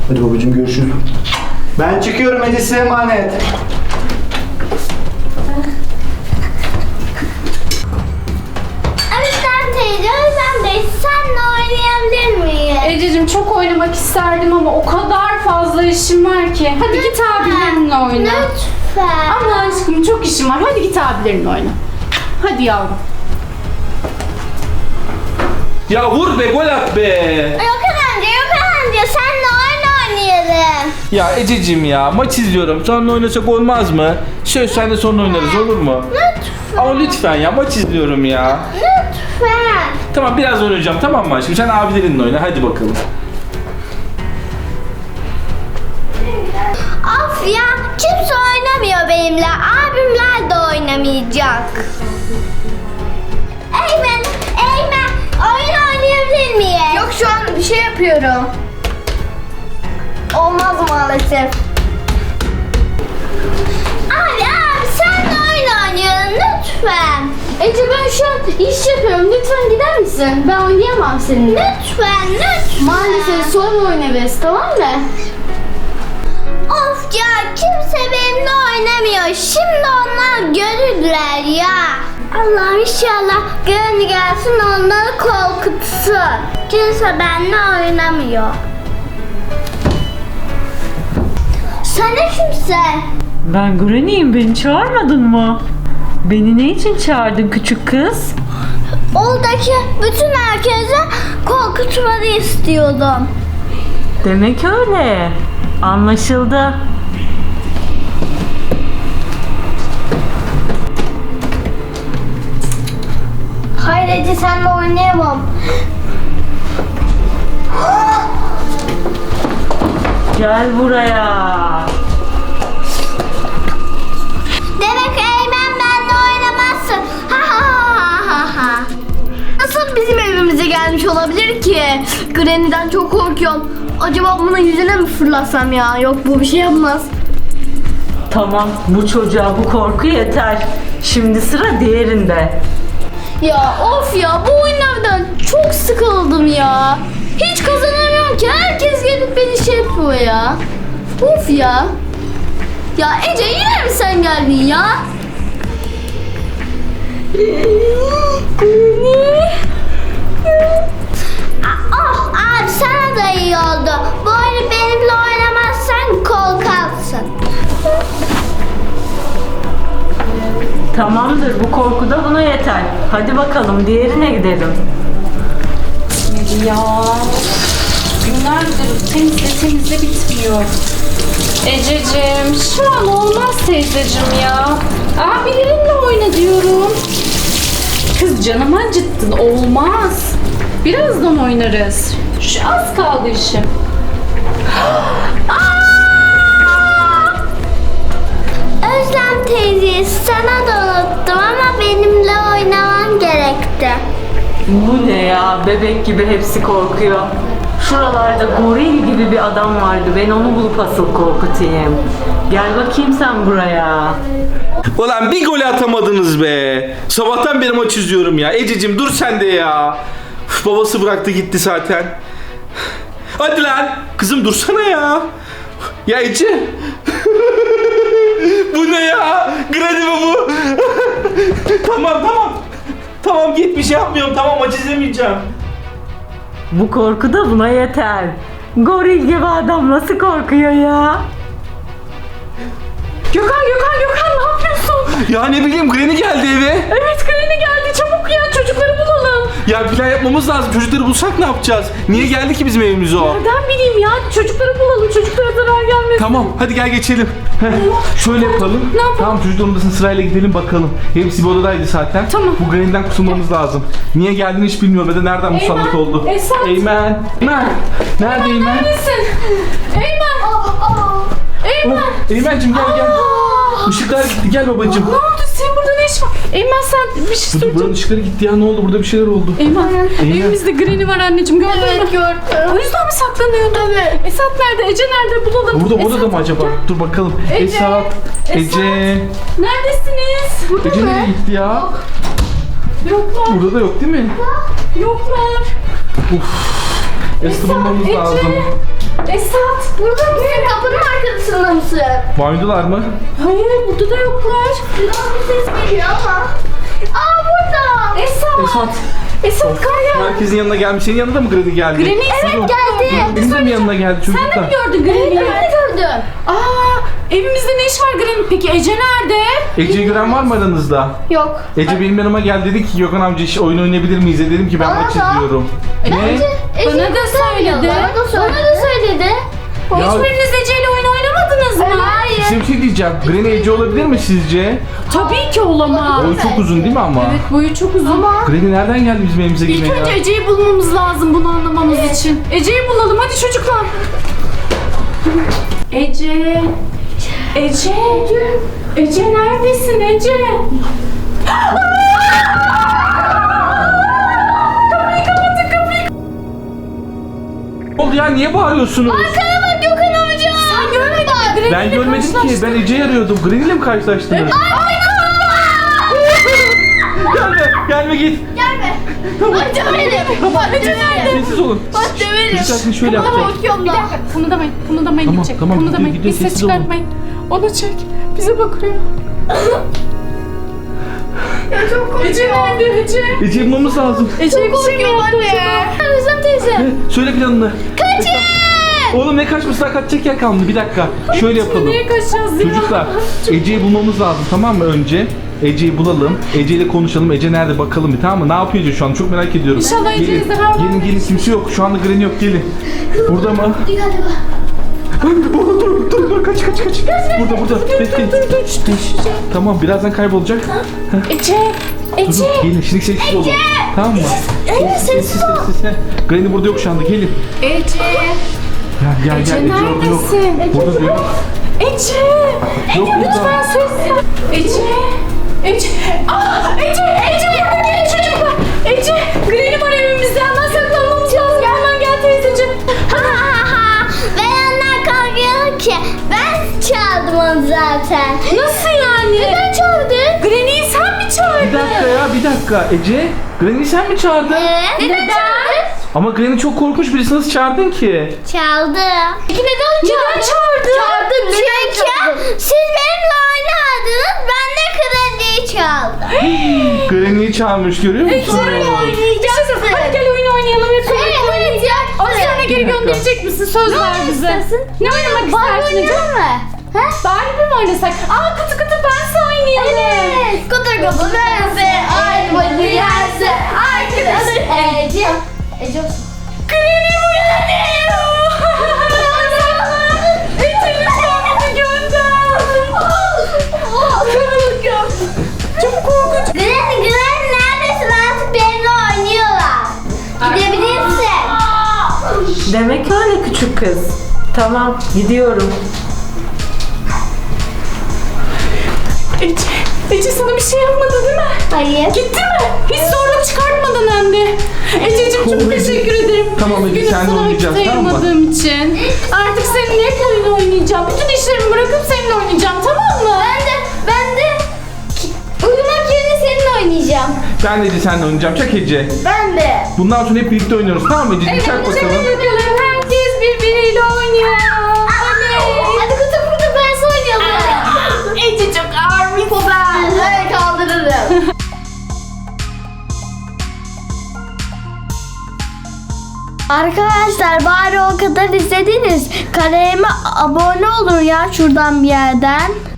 Hadi babacığım görüşürüz. Ben çıkıyorum, Ece size emanet. Özlem teyze, Özlem Bey, senle oynayabilir miyim? Ececiğim çok oynamak isterdim ama o kadar fazla işim var ki. Hadi git abilerinle oyna. Lütfen. Ama aşkım çok işim var. Hadi git abilerinle oyna. Hadi yavrum. Ya vur be, gol at be. Gökhan amca, senle oyun oynayalım. Ya Ececiğim ya, maç izliyorum. Sonra oynasak olmaz mı? Söz sen de sonra oynarız, olur mu? Lütfen. Ama lütfen ya, maç izliyorum ya. Lütfen. Tamam, biraz oynayacağım, tamam mı aşkım? Sen abilerinle oyna, hadi bakalım. Of ya, kimse oynamıyor benimle. Abimler de oynamayacak. Eymen, oyun oynayabilir miyim? Yok, şu an bir şey yapıyorum. Olmaz maalesef. Abi sen de oyun oynayalım lütfen. Ece ben şu an iş yapıyorum. Lütfen gider misin? Ben oynayamam seninle. Lütfen. Maalesef sonra oynarız, tamam mı? Of ya, kimse benimle oynamıyor. Şimdi onlar görürler ya. Allah inşallah gönlü gelsin, onları korkutsun. Kimse benimle oynamıyor. Sen ne kimsin? Ben Granny'yim, beni çağırmadın mı? Beni ne için çağırdın küçük kız? Oradaki bütün herkese korkutmanı istiyordum. Demek öyle. Anlaşıldı. Hayır Ece, senle oynayamam. Gel buraya. Demek Eymen benimle oynamazsın. Ha ha ha ha ha. Nasıl bizim evimize gelmiş olabilir ki? Granny'den çok korkuyorum. Acaba bunun yüzüne mi fırlasam ya? Yok, bu bir şey yapmaz. Tamam, bu çocuğa bu korku yeter. Şimdi sıra diğerinde. Ya of ya, bu oyunlardan çok sıkıldım ya. Hiç kazanamıyorum ki. Herkes gelip beni şey yapıyor ya. Of ya. Ya Ece, yine mi sen geldin ya? Oh abi, sana da iyi oldu. Bu oyunu benimle oynamazsan korkarsın. Tamamdır, bu korku da buna yeter. Hadi bakalım diğerine gidelim. Ya günlerdir temizle bitmiyor. Ececiğim şu an olmaz teyzeciğim ya. Abilerinle oyna diyorum. Kız canımı acıttın, olmaz. Birazdan oynarız. Şu az kaldı işim. Özlem teyze, sana da unuttum ama benimle oynaman gerekti. Bu ne ya? Bebek gibi hepsi korkuyor. Şuralarda goril gibi bir adam vardı. Ben onu bulup asıl korkutayım. Gel bakayım sen buraya. Ulan bir gol atamadınız be. Sabahtan beri maç izliyorum ya. Ececiğim dur sen de ya. Üf, babası bıraktı gitti zaten. Hadi lan. Kızım dursana ya. Ya Ece. Bu ne ya? Granny mi bu? Tamam. Tamam git, bir şey yapmıyorum. Tamam, maç izlemeyeceğim. Bu korku da buna yeter. Goril gibi adam nasıl korkuyor ya? Gökhan ne yapıyorsun? Ya ne bileyim, Granny geldi eve. Evet, Granny geldi, çabuk ya, çocukları bulalım. Ya plan yapmamız lazım. Çocukları bulsak ne yapacağız? Niye geldi ki bizim evimize o? Nereden bileyim ya, çocukları bulalım, çocuklara zarar gelmesin. Tamam hadi gel geçelim. Şöyle yapalım. Ne yapalım? Tamam, çocukların odasına sırayla gidelim bakalım. Hepsi bir odadaydı zaten. Tamam. Bu Granny'den kurtulmamız lazım. Niye geldiğini hiç bilmiyorum ve de nereden musallat oldu. Esat. Eymen. Nerede Eymen? Neredesin? Eymen. Eymen. Eymen'cim gel. Işıklar gitti, gel babacığım. Ne oldu? Senin burada ne iş var? Eymen sen bir şey Buranın söyleyeceğim. ışıkları gitti ya, ne oldu? Burada bir şeyler oldu. Eymen, evimizde Granny var anneciğim, gördün mü? gördüm. O yüzden mi saklanıyordun? Evet. Esat nerede? Ece nerede? Bulalım. Burada Esat, da mı acaba? gel. Dur bakalım. Ece. Esat. Ece. Neredesiniz? Burada Ece mı? nereye gitti ya? Yoklar. Burada da yok değil mi? Yoklar. Esat'ı bulmamız Ece. lazım. Esat. Burada mısın? Kapının arkasında mısın? Banyodalar mı? Hayır burada da yoklar. Biraz bir ses geliyor ama. Aa burada. Esat. Esat kar ya. Herkesin yanına gelmiş. Senin yanında mı Granny geldi? Granny Evet geldi. Benim de mi yanına geldi Sen de çocuklar? mi gördün Granny'yi? Ben de gördüm. Aa, evimizde ne iş var Granny? Peki Ece nerede? Ece'yi gören var mı aranızda? Yok. Ece benim yanıma geldi, dedi ki Gökhan amca oyun oynayabilir miyiz? Dedim ki ben Bana maç da. izliyorum. Ne? Bana da söyledi. Bana da söyledi. Ya- Hiçbiriniz Ece ile oyun oynamadınız mı? Hayır. Size bir şey diyeceğim. Granny Ece olabilir mi sizce? Tabii ki olamaz. Boyu çok uzun değil mi ama? Evet boyu çok uzun. Granny nereden geldi bizim evimize İlk yine önce ya? Ece'yi bulmamız lazım bunu anlamamız için. Ece'yi bulalım hadi çocuklar. Ece. Ece. Ece neredesin Ece? Ne oldu ya? Niye bağırıyorsunuz? Sana bak Gökhan amca. Sen görmedin mi? Granny Ben ile görmedim ki. karşılaştık. Ben Ece'yi arıyordum. Granny ile mi karşılaştınız? Gelme. Gelme git. Gelme. Bak döverim. Bak döverim. Sessiz olun. Bak döverim. Çocuklar şimdi şöyle yapacağız. Korkuyorum Bir da. dakika kımıldamayın. Kımıldamayın Tamam, gidecek. tamam, Kımıldamayın. gidiyor, Bir ses sessiz olun. çıkartmayın. Onu çek. Bize bakıyor. Çok korkuyorum. Ece nerede Ece? Ece'yi bulmamız lazım. Ece bir şey mi yaptı anne. acaba? Özlem teyze. Söyle planını. Kaçın. Oğlum ne kaçması, daha kaçacak yer kalmadı. Bir dakika. Şöyle yapalım. Nereye kaçacağız ya? Çocuklar Ece'yi bulmamız lazım, tamam mı önce? Ece'yi bulalım. Ece ile konuşalım. Ece nerede bakalım bir, tamam mı? Ne yapıyor Ece şu an? Çok merak ediyorum. İnşallah Ece'yi Gelin. zarar Gelin gelin, kimse yok. Şu anda Granny yok, gelin. Burada mı? Galiba. Dur kaç. Burada. Bekleyin. Tamam, birazdan kaybolacak. Ece. Dur, Ece. gelin şimdi sessiz olun. Tamam mı? Sessiz. Granny burada yok şu anda, gelin. Ece. Gel Ece Ece orada yok. neredesin? Burada da yok. Ece. Yok Lütfen burada. sessiz. Ece. Ece. Aa, Ece burada gelin çocuklar. Ece. Granny var evimizde. Hemen saklanmamız lazım. Hemen gel teyzeciğim. Ben onlar kalkıyor ki. Ben çaldım onu zaten. Nasıl yani? Neden çaldın? Granny'yi sen mi çağırdın? Bir dakika Ece. Granny'yi sen mi çağırdın? Neden çaldın? Ama Granny çok korkunç birisi, nasıl çağırdın ki? Çaldım. Peki neden çaldın? Çaldım. Çünkü siz benimle oynardınız. Ben de krediyi çaldım. Granny'yi çağırmış, görüyor musun? Oynayacaksın. Hadi gel oyun oynayalım hep birlikte. Evet ya. Az sonra geri gönderecek misin? Söz ver bize. Ne oynamak istersin Ece? Ha? Barbie mi oynasak? Aa kutu bense oynayalım. Evet. Kutu kapı verse, armacı yerse, arkadaşı Ece. Ece olsun. Granny burada değil. Ece lütfen bizi gönder. Çok korkunç. Granny neredesin? Artık benimle oynuyorlar. Gidebilirsin. Demek öyle küçük kız. Tamam, gidiyorum. Ece sana bir şey yapmadı değil mi? Hayır. Gitti mi? Hiç zorluk çıkartmadan hem de. Ececiğim çok Ece. teşekkür ederim. Tamam Ece, Üzgünüm seninle sana oynayacağız, vakit tamam mı? ayırmadığım için. Artık seninle hep oyun oynayacağım. Bütün işlerimi bırakıp seninle oynayacağım, tamam mı? Ben de uyumak yerine seninle oynayacağım. Ben de Ece seninle oynayacağım. Çak Ece. Ben de. Bundan sonra hep birlikte oynuyoruz, tamam mı Ece? Çak bakalım. bakalım. Herkes birbiriyle oynuyor. Hadi kutu ben oynayalım. Ece çok ağır bir Ben kaldırırım. Arkadaşlar bari o kadar izlediniz. Kanalıma abone olun ya şuradan bir yerden.